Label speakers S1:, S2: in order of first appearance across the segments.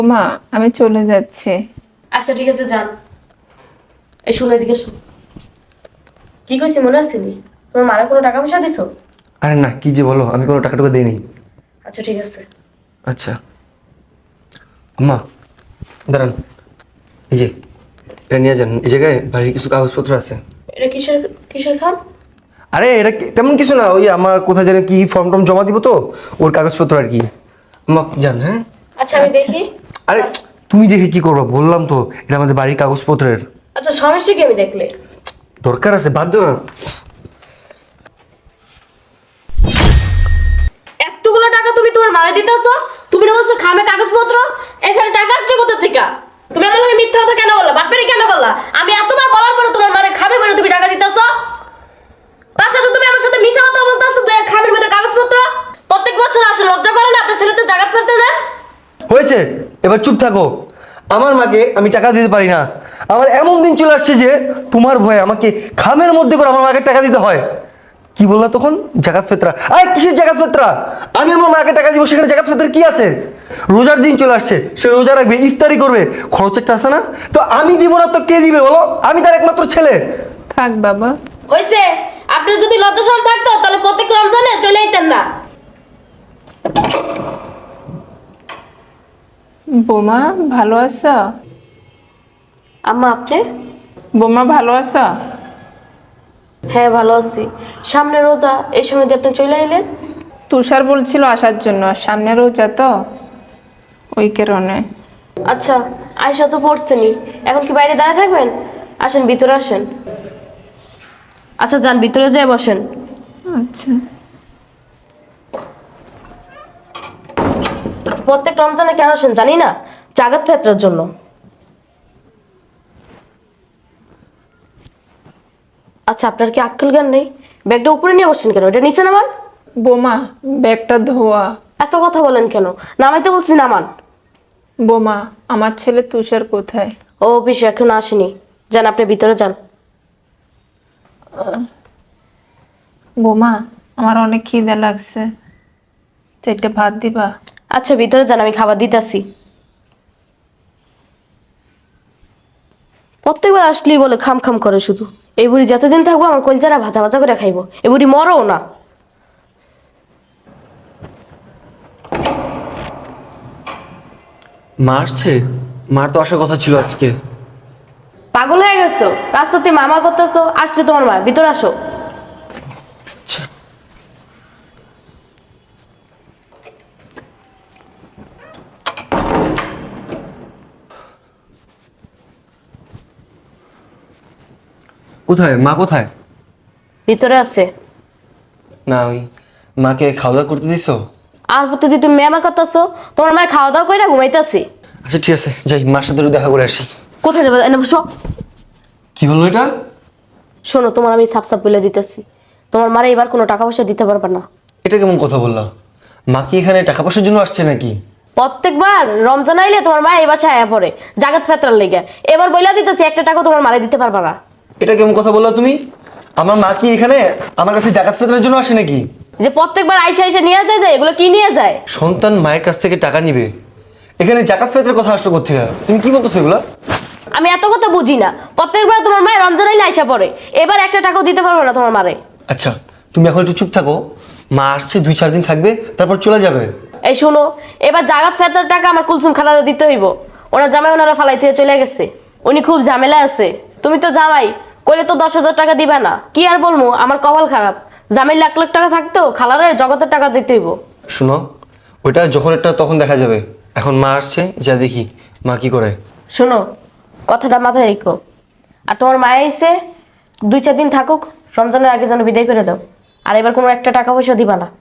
S1: মা, আমি চলে যাচ্ছি।
S2: আচ্ছা ঠিক আছে যান। এই শুনে এদিকে শোন, কি কইছি মনে আসেনি? তোমার মারা কোনো টাকা পয়সা দিছো?
S3: আরে না, কি যে বলো, আমি কোনো টাকা টুকু দিইনি।
S2: আচ্ছা ঠিক আছে।
S3: আচ্ছা আম্মা, দাঁড়ান, এই যে এটা নিয়ে যান, এই জায়গায় বাড়ির কিছু কাগজপত্র আছে।
S2: এটা কিসের কিসের খাম?
S3: আরে এটা তেমন কিছু না, ওই আমার কোথায় জানি কি ফর্ম টর্ম জমা দিব তো, ওর কাগজপত্র আর কি। আম্মা যান। হ্যাঁ
S2: আচ্ছা আমি দেখি।
S3: আরে তুমি দেখে কি করবো, বললাম তো এটা আমাদের বাড়ির কাগজপত্রের।
S2: আচ্ছা সমস্যা কি আমি দেখলে?
S3: দরকার আছে, বাধ্য না।
S2: এতগুলো টাকা তুমি তোমার মারা দিতেছো? তুমি না বলছো খামে কাগজপত্র? এখানে টাকা আসছে কোথা থেকে? তুমি আমার লগে মিথ্যা কথা কেন বললা? বাটপারি কেন করলা? আমি এতবার বলার পরে তোমার মারে খাবে বলে তুমি টাকা দিতেছো? তার সাথে তুমি আমার সাথে মিছা কথা বলতেছো যে খামের মধ্যে কাগজপত্র। প্রত্যেক বছর আসে, লজ্জা করে না আপনার ছেলেতে জায়গা ফেলতে না?
S3: হয়েছে, এবার চুপ থাকো। আমার মাকে আমি টাকা দিতে পারি না। আমার এমন দিন চলে আসছে যে তোমার ভয়ে আমাকে খামের মধ্যে করে আমার মাকে টাকা দিতে হয়। কি বললা তখন? জাকাত ফেতরা? আরে কিসের জাকাত ফেতরা? আমি আমার মাকে টাকা দিব, সেখানে জাকাত ফেতরা কি আছে? রোজার দিন চলে আসছে, সে রোজা রাখবে, ইফতারি করবে, খরচ একটা আছে না? তো আমি দিব না তো কে দিবে বলো? আমি তার একমাত্র ছেলে।
S1: থাক বাবা।
S2: হইছে, আপনার যদি লজ্জা শরম থাকতো তাহলে প্রত্যেক রমজানে চলে আইতেন না।
S1: বোমা, ভালো আছো?
S2: আম্মা আপনি?
S1: বোমা, ভালো আছো?
S2: হ্যাঁ ভালো আছি। সামনে রোজা, এই সময় দিয়ে আপনি চলে আইলেন?
S1: তুষার বলছিল আসার জন্য, সামনে রোজা তো, ওই কারণে।
S2: আচ্ছা, আয়সা তো পড়ছেনি, এখন কি বাইরে দাঁড়িয়ে থাকবেন? আসেন ভিতরে আসেন। আচ্ছা যান ভিতরে যেয়ে বসেন।
S1: আচ্ছা।
S2: প্রত্যেক রমজানে কেন আসেন জানি না, জাগাত ফেতরার জন্য। আচ্ছা আপনার কি আক্কেল জ্ঞান নেই? ব্যাগটা উপরে নিয়ে বসছেন কেন? এটা নিচে নামান।
S1: বোমা, ব্যাগটা ধোয়া।
S2: এত কথা বলেন কেন? নামাইতে বলছি নামান।
S1: বোমা, আমার ছেলে তুষার কোথায়?
S2: ও অফিসে এখন আসেনি, যান আপনি ভিতরে যান।
S1: বোমা, আমার অনেক খিদে লাগছে, চারটে ভাত দিবা?
S2: আচ্ছা ভিতরে যান, আমি খাবার দিতেছি। প্রত্যেকবার আসলেই বলে খাম খাম করে শুধু। এই বুড়ি যতদিন থাকবো আমার কলজারা ভাজা ভাজা করে খাইবো, এই বুড়ি মরও না।
S3: মা আসছে? মার তো আসার কথা ছিল আজকে।
S2: পাগল হয়ে গেছো? রাস্তাতে মামা করতেছো, আসছে তোমার মা, ভিতরে আসো।
S3: আচ্ছা। কোথায় মা, কোথায়?
S2: ভিতরে আছে।
S3: না, ওই মাকে খাওয়া দাওয়া করতে দিছো?
S2: আর প্রতিদিন তুমি মেমা করতেছো, তোমার মায়ের খাওয়া দাওয়া করে ঘুমাইতেছি।
S3: আচ্ছা ঠিক আছে, যাই, মার সাথে একটু দেখা করে আসি।
S2: কোথায় যাবে এনে বসো।
S3: কি হলো এটা?
S2: শোনো, তোমার আমি সাপ সাপ বলে দিতেছি, তোমার মারে এবার কোনো টাকা পয়সা দিতে পারবে না।
S3: এটা কেমন কথা বললা? মা কি এখানে টাকা পয়সার জন্য আসছে নাকি?
S2: প্রত্যেকবার রমজান আইলে তোমার মা এই বাসায় আয়া পড়ে জাগাত ফেতরার লেগে। এবার বইলা দিতেছি একটা টাকা তোমার মারে দিতে পারবা না।
S3: এটা কেমন কথা বললা তুমি? আমার মা কি এখানে আমার কাছে জাকাত ফেতরার জন্য আসে নাকি?
S2: যে প্রত্যেকবার আইসা আইসা নিয়ে যায়, এগুলো কি নিয়ে যায়?
S3: সন্তান মায়ের কাছ থেকে টাকা নিবে, এখানে জাকাত ফেতরার কথা আসলো কোত্থেকে? তুমি কি বলতেছো এগুলা?
S2: আমি এত কথা বুঝি না। প্রত্যেকবার তোমার মায়ের রমজান আইলে আইসা পড়ে, এবার একটা টাকাও দিতে পারবো না তোমার মারে।
S3: আচ্ছা তুমি এখন একটু চুপ থাকো, মা আসছে 2-4 দিন থাকবে, তারপর চলে যাবে।
S2: এই শোনো, এবার জাগাত ফেতরার টাকা আমার কুলসুম খালাদা দিতে হইব। ওনার জামাই ওনারা ফালাই থেকে চলে গেছে, উনি খুব ঝামেলা আছে। তুমি তো জামাই, কইলে তো 10,000 টাকা দিবা না। কি আর বলবো, আমার কপাল খারাপ। জামাই লাখ লাখ টাকা থাকতো, খালারে জগতের টাকা দিতে হইব।
S3: শুনো, ওইটা যখন একটা তখন দেখা যাবে, এখন মা আসছে, যা দেখি মা কি করে।
S2: শোনো, কথাটা মাথায় রেখো। আর তোমার মা এসে 2-4 দিন থাকুক, রমজানের আগে যেন বিদায় করে দাও। আর এবার কোনো একটা টাকা পয়সা দিবা না।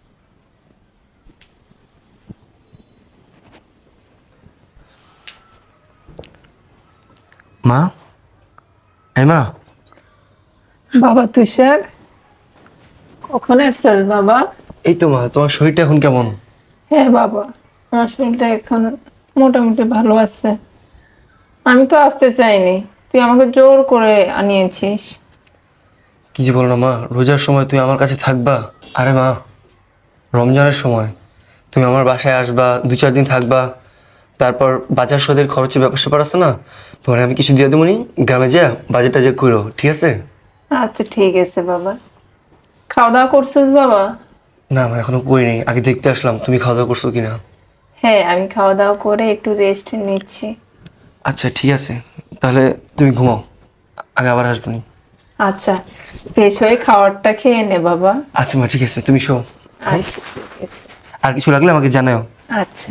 S3: মা, এই মা।
S1: বাবা তুষার, কখন আসছিস বাবা?
S3: এই তো মা, তোমার শরীরটা এখন কেমন?
S1: হ্যাঁ বাবা, আমার শরীরটা এখন মোটামুটি ভালো আছে। আমি তো আসতে চাইনি, তুই আমাকে জোর করে আনিয়েছিস।
S3: কি যে বলো না মা, রোজার সময় তুমি আমার কাছে থাকবা? আরে মা, রমজানের সময় তুমি আমার বাসায় আসবা, 2-4 দিন থাকবা, তারপর বাজার সদের খরচের ব্যাপার আছে না, তোমার আমি কিছু দিয়ে দেবো নি, গ্রামে যা বাজার টাজার করো, ঠিক আছে?
S1: আচ্ছা ঠিক আছে বাবা। খাওয়া দাওয়া করছিস বাবা?
S3: না আমি এখনো করিনি, আগে দেখতে আসলাম তুমি খাওয়া দাওয়া করছো কিনা।
S1: হ্যাঁ, আমি খাওয়া দাওয়া করে একটু রেস্ট নিচ্ছি।
S3: আচ্ছা ঠিক আছে, তাহলে তুমি ঘুমাও, আমি আবার আসবো নি।
S1: আচ্ছা, ফ্রেশ হয়ে খাবারটা খেয়ে নে বাবা।
S3: আচ্ছা মা, ঠিক আছে, তুমি শো।
S1: আচ্ছা ঠিক আছে।
S3: আর কিছু লাগলে আমাকে জানাও।
S1: আচ্ছা।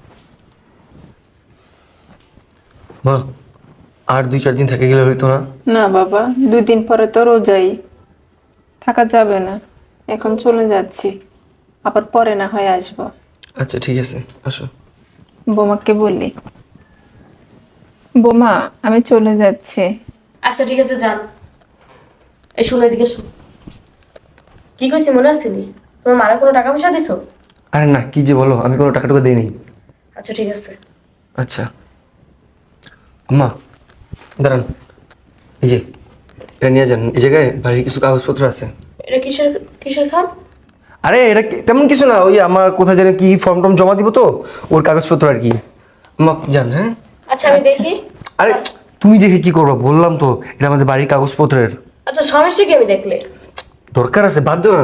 S3: মা, আর 2-4 দিন থেকে গেলে হইতো না?
S1: না বাবা, 2 দিন পরে তো রোজাই, থাকা যাবে না। এখন চলে যাচ্ছি, আবার পরে না হয় আসবো।
S3: আচ্ছা ঠিক আছে, আসো।
S1: বোমাকে বললি, বোমা আমি চলে যাচ্ছি।
S2: আচ্ছা ঠিক আছে, যান। এই শুনে এদিকে শুন, কি কইছি মনে আসেনি? তোমার মারা কোনো টাকা পয়সা দিছো?
S3: আরে না, কি যে বলো, আমি কোনো টাকা টুকু দিইনি।
S2: আচ্ছা ঠিক আছে।
S3: আচ্ছা আম্মা দাঁড়ান, এই যে এটা নিয়ে যান, এই জায়গায় বাড়ির কিছু কাগজপত্র আছে।
S2: এটা কিসের কিসের খাম?
S3: আরে এটা তেমন কিছু না, ওই আমার কোথায় জানি কি ফর্ম টর্ম জমা দিব তো, ওর কাগজপত্র আর কি। আম্মা যান। হ্যাঁ
S2: আচ্ছা আমি দেখি।
S3: আরে তুমি দেখে কি করবা, বললাম তো এটা আমাদের বাড়ির কাগজপত্রের।
S2: আচ্ছা সমস্যা কি আমি দেখলে?
S3: দরকার আছে, বাধ্য না।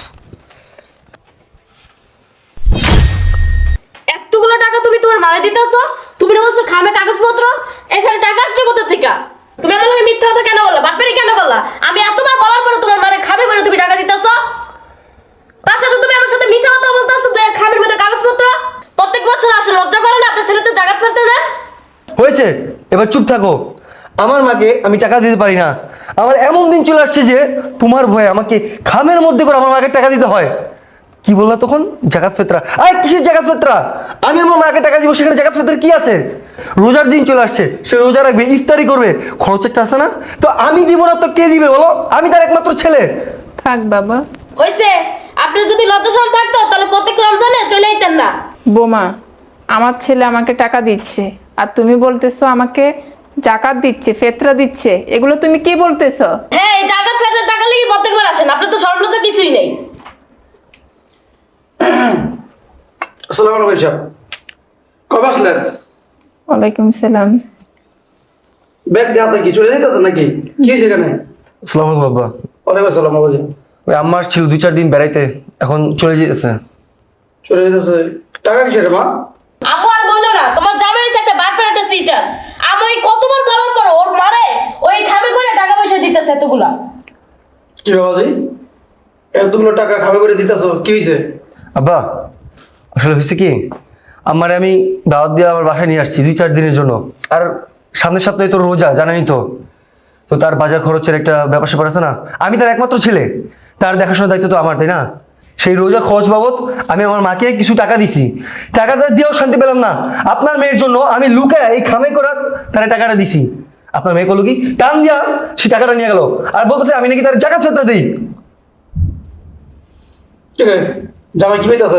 S2: এতগুলো টাকা তুমি তোমার মারা দিতেছো? তুমি না বলছো খামে কাগজপত্র? এখানে টাকা আসলে কোথা থেকে? তুমি আমার লগে মিথ্যা কথা কেন বললা? বাটপারি কেন করলা? আমি এতবার বলার পরে তোমার মারে খাবে বলে তুমি টাকা দিতেছো? তার সাথে তুমি আমার সাথে মিছা কথা বলতেছো যে খামের মধ্যে কাগজপত্র। প্রত্যেক বছর আসে, লজ্জা করে না আপনার ছেলে তো জায়গা ফেলতে না?
S3: হয়েছে, এবার চুপ থাকো। আমার মাকে আমি টাকা দিতে পারি না, আমার এমন দিন চলে আসছে যে তোমার ভয়ে আমাকে খামের মধ্যে করে আমার মাকে টাকা দিতে হয়। কি বললা তখন? জাকাত ফেতরা? আরে কিসের জাকাত ফেতরা? আমি আমার মাকে টাকা দিব, সেখানে জাকাত ফেতরা কি আছে? রোজার দিন চলে আসছে, সে রোজা রাখবে, ইফতারি করবে, খরচ একটা আছে না? তো আমি দিব না তো কে দিবে বলো? আমি তার একমাত্র ছেলে।
S1: থাক বাবা।
S2: হইছে, আপনার যদি লজ্জাশরম থাকতো তাহলে প্রত্যেক রমজানে চলে আইতেন না।
S1: বোমা, আমার ছেলে আমাকে টাকা দিচ্ছে আর তুমি বলতেছো আমাকে জাকাত দিচ্ছে, ফেতরা দিচ্ছে, এগুলো তুমি কি বলতেছো?
S2: হ্যাঁ, এই জাকাত ফেতরার টাকা লাগি প্রত্যেকবার আসেন, আপনার তো সর্বলজ্জা কিছুই নেই।
S4: আসসালামু আলাইকুম সাহেব, কবে আসলেন?
S1: ওয়ালাইকুম সালাম।
S4: ব্যাগ দিয়ে হাতে কি চলে যেতেছেন নাকি? কি হয়েছে এখানে?
S3: আসসালামু আলাইকুম বাবা।
S4: ওয়ালাইকুম আসসালাম বাবাজি।
S3: ওই আম্মা ছিল 2-4 দিন বেড়াইতে, এখন চলে যেতেছে।
S4: চলে যেতেছে? টাকা কিসের মা?
S2: আমু আর বললো না, তোমার জামাই হইছে একটা বাটপার, একটা সিটার। আমি ওই কতবার বলার পর ওর মারে ওই খামে করে টাকা পয়সা দিতেছে এতগুলা।
S4: কি বাবাজি, এতগুলো টাকা খাবে করে দিতেছো, কি হয়েছে?
S3: আব্বা আসলে হয়েছে কি, আমারে আমি দাওয়াত দিয়ে আমার বাসায় নিয়ে আসছি 2-4 দিনের জন্য। আর সামনের সপ্তাহে তো রোজা, জানেনই তো। তো তার বাজার খরচের একটা ব্যাপার স্যাপার আছে না, আমি তার একমাত্র ছেলে, তার দেখাশোনার দায়িত্ব তো আমার, তাই না? সেই রোজা খরচ বাবদ আমি আমার মাকে কিছু টাকা দিছি, টাকাটা দিয়েও শান্তি পেলাম না। আপনার মেয়ের জন্য আমি লুকায় এই খামে করার তার টাকাটা দিছি। আপনার মেয়ে করলো কি, টান দিয়া সে টাকাটা নিয়ে গেল আর বলতেছে আমি নাকি তার জাকাত ফেতরা দিই।
S4: কি রে, জামাই কি হইতাছে?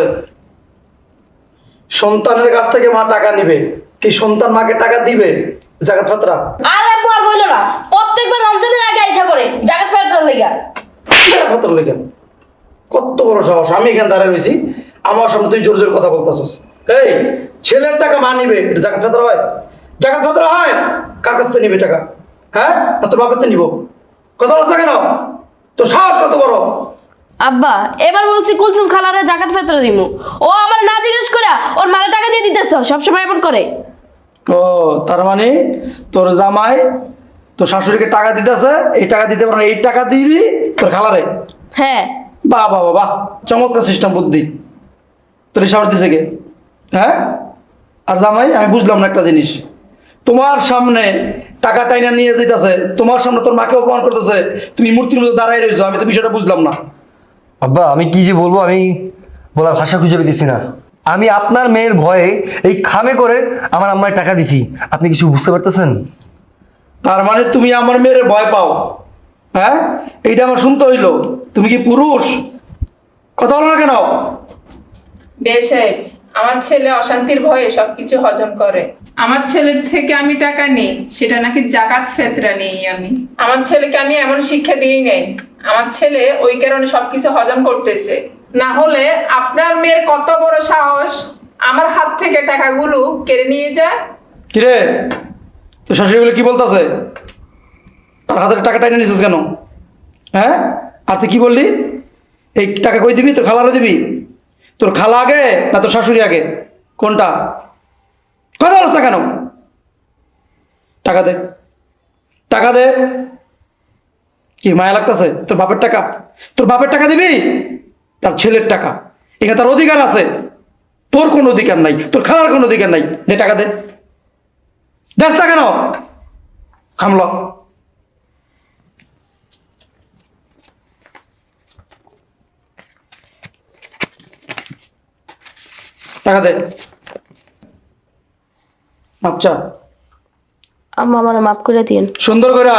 S4: সন্তানের কাছ থেকে মা টাকা নিবে, কি সন্তান মাকে টাকা দিবে? জাকাত ফাতরা?
S2: আর আব্বু আর বললো না, প্রত্যেকবার রমজানের আগে আইসা করে জাকাত ফেতরার লাগা।
S4: জাকাত ফাতরা লেগে কত বড় সাহস! আমি এখানে দাঁড়িয়ে রয়েছি, আমার সামনে তুই জোর জোর কথা বলতেছিস। এই ছেলের টাকা মা নিবে, এটা জাকাত ফাতরা হয়? জাকাত ফাতরা হয়? কার কাছ থেকে নিবে টাকা? হ্যাঁ, না তোর বাপের থেকে নিব? কথা বলছ কেন? তোর সাহস কত বড়?
S2: আব্বা এবার বলছি কুলসুম খালারে জাকাত ফেতরা দিমু, ও আমার না জিজ্ঞেস করে ওর মারে টাকা দিয়ে দিতেছ, সবসময় এমন করে।
S4: ও তার মানে তোর জামাই তোর শাশুড়িকে টাকা দিতেছে, এই টাকা দিতে পারে না, এই টাকা দিবি তোর খালারে?
S2: হ্যাঁ।
S4: বাহ বাহ বাহ বাহ, চমৎকার সিস্টেম বুদ্ধি। তোর এই সাহস দিছে কে? হ্যাঁ? আর জামাই আমি বুঝলাম না একটা জিনিস, তোমার সামনে টাকা টাইনা নিয়ে যেতেছে, তোমার সামনে তোর মাকে অপমান করতেছে, তুমি মূর্তির মধ্যে দাঁড়াই রয়েছো, আমি তো বিষয়টা বুঝলাম না।
S3: আব্বা আমি কি যে বলবো, আমি বলার ভাষা খুঁজে পেতেছি না। আমি আপনার মেয়ের ভয়ে এই খামে করে আমার আম্মায় টাকা দিছি, আপনি কিছু বুঝতে পারতেছেন?
S4: তার মানে তুমি আমার মেয়ের ভয় পাও? হ্যাঁ, এইটা আমার শুনতে হইলো। তুমি কি পুরুষ? কথা বলো না কেন?
S1: বেশাই, আমার ছেলে অশান্তির ভয়ে সবকিছু হজম করে। আমার ছেলের থেকে আমি টাকা নিই, সেটা নাকি জাকাত ফেতরা নেই। আমি আমার ছেলেকে আমি এমন শিক্ষা দিই নাই, আমার ছেলে ওই কারণে সবকিছু হজম করতেছে। না হলে আপনার মেয়ের কত বড় সাহস, আমার হাত থেকে টাকাগুলো কেড়ে নিয়ে যায়।
S4: কিরে তোর শাশুড়ি বলে কি বলতেছে? তার হাতের টাকা টাইনে নিছিস কেন? হ্যাঁ, আর তুই কি বললি? এই টাকা কই দিবি? তোর খালারে দিবি? তোর খালা আগে না তোর শাশুড়ি আগে, কোনটা? কথা বলছ না কেন? টাকা দে, টাকা দে। কি মায়া লাগতেছে? তোর বাপের টাকা, তোর বাপের টাকা দিবি? তার ছেলের টাকা, এখানে তার অধিকার আছে, তোর কোনো অধিকার নাই, তোর খালার কোনো অধিকার নাই। দে টাকা দে, দেখ না কেন? খামল, টাকা দে। আচ্ছা
S2: আম্মা আমার মাফ করে দিন।
S4: সুন্দর করে।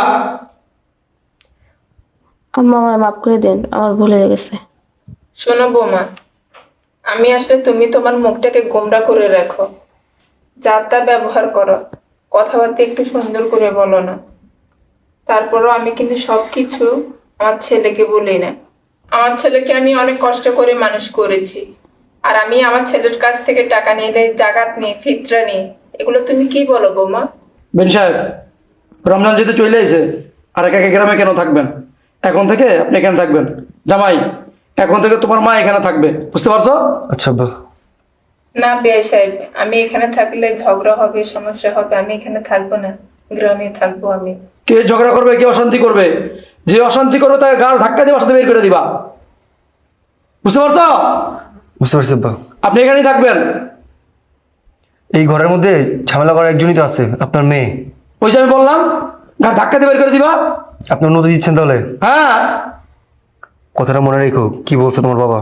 S2: আম্মা আমার মাফ করে দিন, আমার ভুল হয়ে গেছে।
S1: শোনো বৌমা, আমি আসলে তুমি তোমার মুখটাকে গোমরা করে রাখো, যা তা ব্যবহার করো, কথাবার্তা একটু সুন্দর করে বলো না। তারপরও আমি কিন্তু সবকিছু আমার ছেলেকে বলি না। আমার ছেলেকে আমি অনেক কষ্ট করে মানুষ করেছি, আর আমি আমার ছেলের কাছ থেকে টাকা নিলে, জাকাত নিয়ে, ফিতরা নিয়ে, এগুলো তুমি কি বলো বৌমা?
S4: বেন সাহেব, রমজান যেহেতু চলে আইছে, আর একা একা গ্রামে কেন থাকবেন? এখন থেকে আপনি এখানে থাকবেন। জামাই, এখন থেকে তোমার মা এখানে থাকবে, বুঝতে পারছো?
S3: আচ্ছা আব্বা।
S1: না বিআই সাহেব, আমি এখানে থাকলে ঝগড়া হবে, সমস্যা হবে, আমি এখানে থাকবো না, গ্রামে থাকবো আমি।
S4: কে ঝগড়া করবে, কে অশান্তি করবে? যে অশান্তি করবে তাকে গাল ধাক্কা দিয়ে বাসাতে বের করে দিবা, বুঝতে পারছো?
S3: বুঝতে পারছি আব্বা।
S4: আপনি এখানেই থাকবেন।
S3: এই ঘরের মধ্যে ঝামেলা করার একজনই তো আছে, আপনার মেয়ে।
S4: ওই যে আমি বললাম, গাল ধাক্কা দিয়ে বের করে দিবা।
S3: আপনি অনুমতি দিচ্ছেন তাহলে?
S4: হ্যাঁ,
S3: কথাটা মনে রেখো, কি বলছে তোমার বাবা।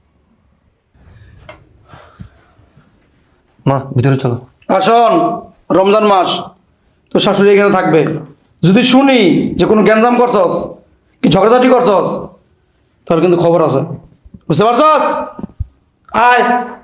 S3: মা ভিতরে চলো।
S4: আর শোন, রমজান মাস, তোর শাশুড়ি এখানে থাকবে। যদি শুনি যে কোনো গ্যাঞ্জাম করছস, কি ঝগড়াঝাটি করছস, তাহলে কিন্তু খবর আছে, বুঝতে পারছস? আয়।